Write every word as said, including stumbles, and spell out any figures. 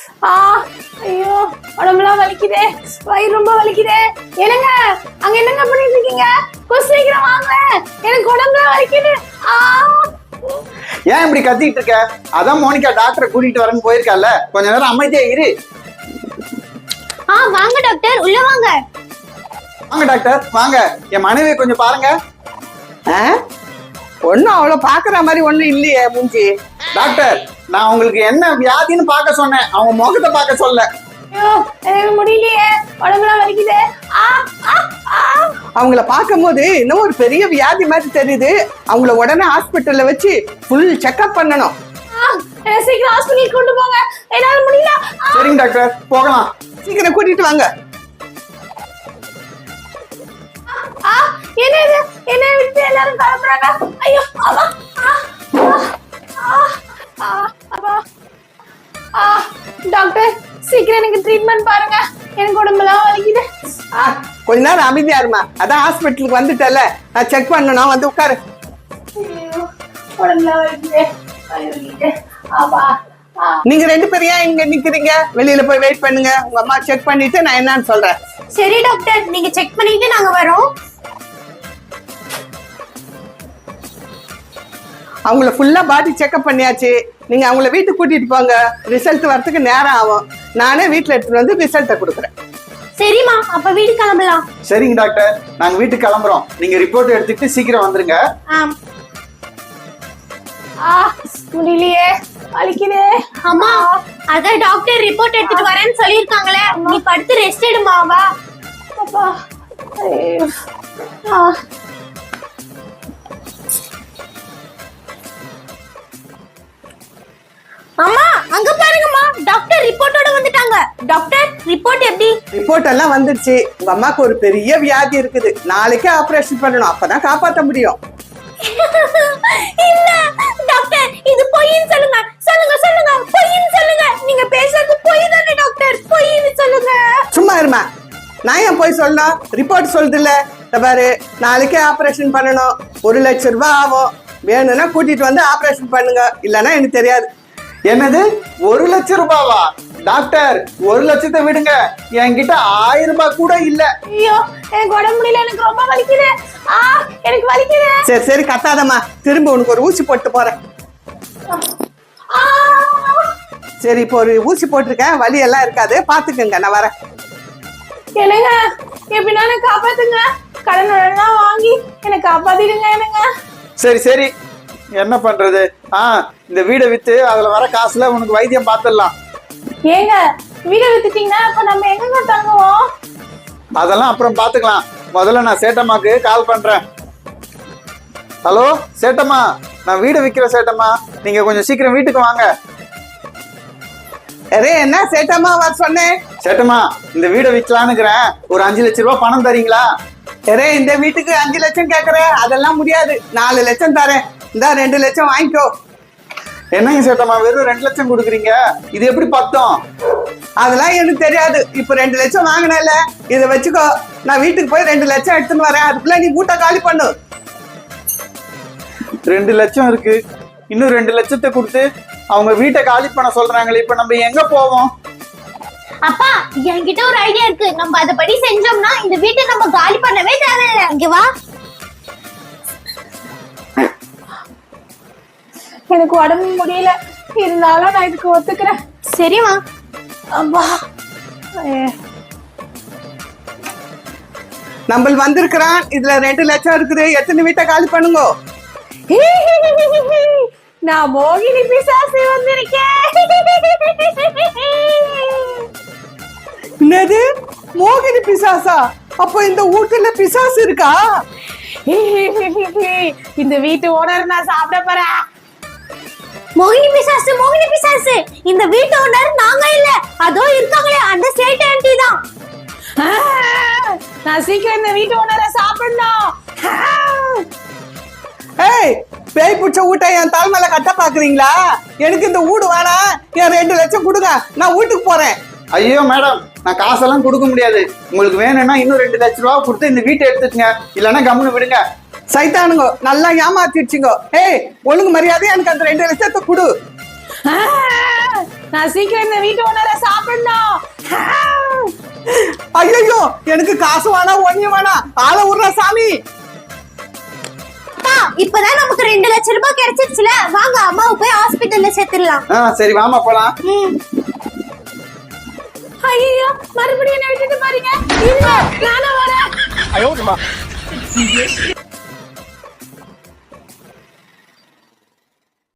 ஆ ஐயோ உடம்புலாம் வலிக்குதே, வயிறு ரொம்ப வலிக்குதே. என்னங்க அங்க என்னங்க பண்ணிட்டு இருக்கீங்க? கொஞ்சம் சீக்கிரம் வாங்க, எனக்கு உடம்புலாம் வலிக்குது. ஆ ஏன் இப்படி கத்திட்டு இருக்க? அதான் மோனிகா டாக்டரை கூட்டிட்டு வரேன்னு போயிருக்கால, கொஞ்ச நேரம் அமைதியா இரு. ஆ வாங்க டாக்டர், உள்ள வாங்க. வாங்க டாக்டர் வாங்க, என் மனைவியை கொஞ்சம் பாருங்க. ஒன்னும் அவ்வளவு பாக்குற மாதிரி ஒண்ணும் இல்லையே மூஞ்சி. டாக்டர் நான் உங்களுக்கு என்ன வியாதின்னு பார்க்க சொன்னேன், அவங்க முகத்தை பார்க்க சொல்ல. ஐயோ எனக்கு முடியலையே, உடம்புலாம் வலிக்குதே. ஆ ஆ ஆ அவங்கள பார்க்கும் போது இன்னும் ஒரு பெரிய வியாதி மாதிரி தெரியுது. அவங்கள உடனே ஹாஸ்பிட்டல்ல வச்சு ஃபுல் செக்அப் பண்ணணும். என்னை சீக்கிரம் ஹாஸ்பிட்டலுக்கு கொண்டு போங்க, என்னால முடியல. சரிங்க டாக்டர் போகலாம். சீக்கிரம் கூட்டிட்டு வாங்க. ஆ என்ன இது, என்ன விட்டு எல்லாரும் கிளம்புறாங்க. ஐயோ அம்மா. ஆ ஆ அப்பா. ஆ டாக்டர் சீக்கிரம் எனக்கு ட்ரீட்மெண்ட் பாருங்க, எனக்கு உடம்புலாம் வலிக்குது. ஆ, கொஞ்ச நேரம் அமைதியா இருமா. அதான் ஹாஸ்பிட்டலுக்கு வந்துட்டல, நான் செக் பண்ணணும். வந்து உட்காரு. ஐயோ உடம்புலாம் வலிக்குது, வயிறு வலிக்குது. அப்பா. நீங்க ரெண்டு பேரும் ஏன் இங்க நிக்கிறீங்க? வெளியில போய் வெயிட் பண்ணுங்க, உங்க அம்மா செக் பண்ணிட்டு நான் என்னன்னு சொல்றேன். சரி டாக்டர், நீங்க செக் பண்ணிட்டு நாங்க வரோம். அவங்கள ஃபுல்லா பாடி செக்அப் பண்ணியாச்சு. நீங்க அவங்கள வீட்டுக்கு கூட்டிட்டு போங்க, ரிசல்ட் வரதுக்கு நேரம் ஆகும். நானே வீட்டுல எடுத்துட்டு வந்து ரிசல்ட்டை கொடுக்குறேன். சரிம்மா, அப்ப வீடு கிளம்பலாம். சரிங்க டாக்டர், நாங்க வீட்டுக்கு கிளம்புறோம். நீங்க ரிப்போர்ட் எடுத்துக்கிட்டு சீக்கிரம் வந்துருங்க. ஆம். ஆ முடியலையே, வலிக்குதே. அம்மா அதான் டாக்டர் ரிப்போர்ட் எடுத்துட்டு வரேன்னு சொல்லிருக்காங்களே, நீ படுத்து ரெஸ்ட் எடுமா. வா அப்பா. ஐயோ. ஆ அம்மா அங்க பாருங்கம்மா, டாக்டர் ரிப்போர்ட்டோட வந்துட்டாங்க. டாக்டர் ரிப்போர்ட் எப்படி? ரிப்போர்ட் எல்லாம் வந்துருச்சு. உங்க அம்மாக்கு ஒரு பெரிய வியாதி இருக்குது, நாளைக்கே ஆபரேஷன் பண்ணணும், அப்பதான் காப்பாற்ற முடியும். இல்ல டாக்டர், இது பொய்ன்னு சொல்லுங்க. சொல்லுங்க சொல்லுங்க, பொய்ன்னு சொல்லுங்க. நீங்க பேசுறது பொய் தானே டாக்டர்? பொய்ன்னு சொல்லுங்க. சும்மா இருமா, நான் ஏன் போய் சொல்லணும்? ரிப்போர்ட் சொல்லுது இல்ல. பாரு, நாளைக்கே ஆபரேஷன் பண்ணணும், ஒரு லட்சம் ரூபாய் ஆகும். வேணும்னா கூட்டிட்டு வந்து ஆபரேஷன் பண்ணுங்க, இல்லன்னா எனக்கு தெரியாது. என்னது ஒரு லட்சம் ரூபாவா? டாக்டர் ஒரு லட்சத்தை விடுங்க, என்கிட்ட ஆயிரம் ரூபாய் கூட இல்ல. ஐயோ எனக்கு உடம்பு முடியல, எனக்கு ரொம்ப வலிக்குது. ஆ எனக்கு வலிக்குது. சரி சரி கத்தாதம்மா, திரும்ப உனக்கு ஒரு ஊசி போட்டு போறேன். ஆ சரி இப்போ ஒரு ஊசி போட்டிருக்கேன், வலி எல்லாம் இருக்காது, பாத்துக்கங்க, நான் வரேன். என்னங்க எப்படின்னா காப்பாத்துங்க, கடன் உடனே வாங்கி என்னை காப்பாத்திடுங்க. என்னங்க சரி சரி என்ன பண்றது? ஆ இந்த வீடை வித்து அதுல வர காசுல உனக்கு வைத்தியம் பார்த்துடலாம். ஏங்க வீடை வித்துட்டீங்கன்னா அப்ப நம்ம எங்க தங்குவோம்? அதெல்லாம் அப்புறம் பாத்துக்கலாம். முதல்ல நான் சேட்டம்மாக்கு கால் பண்றேன். ஹலோ சேட்டம்மா, நான் வீடு விற்கிறேன் சேட்டம்மா, நீங்க கொஞ்சம் சீக்கிரம் வீட்டுக்கு வாங்க. அரே என்ன சேட்டம்மா வர சொன்னேன்? சேட்டம்மா இந்த வீடை விற்கலான்னுக்கிறேன், ஒரு அஞ்சு லட்சம் ரூபாய் பணம் தரீங்களா? அரே இந்த வீட்டுக்கு அஞ்சு லட்சம் கேக்குறேன், அதெல்லாம் முடியாது. நாலு லட்சம் தரேன், இந்த ரெண்டு லட்சம் வாங்கிக்கோ. என்னங்க சேட்டம்மா வெறும் ரெண்டு லட்சம் கொடுக்குறீங்க, இது எப்படி பத்தம்? அதெல்லாம் எனக்கு தெரியாது. இப்ப ரெண்டு லட்சம் வாங்கினல, இதை வச்சுக்கோ. நான் வீட்டுக்கு போய் ரெண்டு லட்சம் எடுத்துன்னு வரேன், அதுக்குள்ள நீ வீட்டை காலி பண்ணு. ரெண்டு லட்சம் இருக்கு, இன்னும் ரெண்டு லட்சத்தை கொடுத்து அவங்க வீட்டை காலி பண்ண சொல்றாங்களே, இப்ப நம்ம எங்க போவோம்? அப்பா என்கிட்ட ஒரு ஐடியா இருக்கு, நம்ம அதபடி செஞ்சோம்னா இந்த வீட்டை நம்ம காலி பண்ணவே தேவையில்லை. இங்க வா. எனக்கு உடம்பு முடியல, இருந்தாலும் நான் இதுக்கு ஒத்துக்கிறேன். சரிமா. அப்பா நம்ம வந்திருக்கிறான், இதுல ரெண்டு லட்சம் இருக்குது, எத்தனை வீட்டை காலி பண்ணுங்க. நான் மோகினி பிசாசு வந்திருக்கேன். என்னது மோகினி பிசாசா? அப்போ இந்த வீட்டுல பிசாசு இருக்கா? இந்த வீட்டு ஓனர் நான் சாப்பிட போறேன். மோகினி பிசாசு, மோகினி பிசாசு, இந்த வீட்டு ஓனர் நாங்க இல்ல, அதோ இருக்காங்களே அந்த சேட் ஆன்ட்டி தான். நான் சீக்கிரம் இந்த வீட்டு ஓனரை சாப்பிடணும். ஏய், பேய் பிடிச்ச வீட்டை என் தலை மேல கட்ட பாக்குறீங்களா? எனக்கு இந்த வீடு வேணாம், என் ரெண்டு லட்சம் கொடுங்க, நான் வீட்டுக்கு போறேன். ஐயோ மேடம், நான் காசெல்லாம் கொடுக்க முடியாது. உங்களுக்கு வேணும்னா இன்னும் ரெண்டு லட்சம் ரூபா கொடுத்து இந்த வீட்டை எடுத்துக்கங்க, இல்லைன்னா கம்முன்னு விடுங்க. சைத்தானுங்க நல்லா ஏமாத்திடுச்சுங்க. ஏய் ஒழுங்கு மரியாதை எனக்கு அந்த ரெண்டு லட்சத்தை கொடு. நான் சீக்கிரம் இந்த வீட்டு ஓனரை சாப்பிடணும். ஐயோ எனக்கு காசு வேணாம் ஒன்னியும் வேணாம் ஆளை விடுற சாமி. அப்பா, இப்பதான் நமக்கு ரெண்டு லட்சம் ரூபாய் கிடைச்சிருச்சுல, வாங்க அம்மாவை போய் ஹாஸ்பிட்டல்ல சேர்த்துடலாம். ஆ சரி வாமா போலாம். ம். ஐயோ மறுபடியும் என்ன விட்டுட்டு பாருங்க. இல்ல நானும் வரேன்.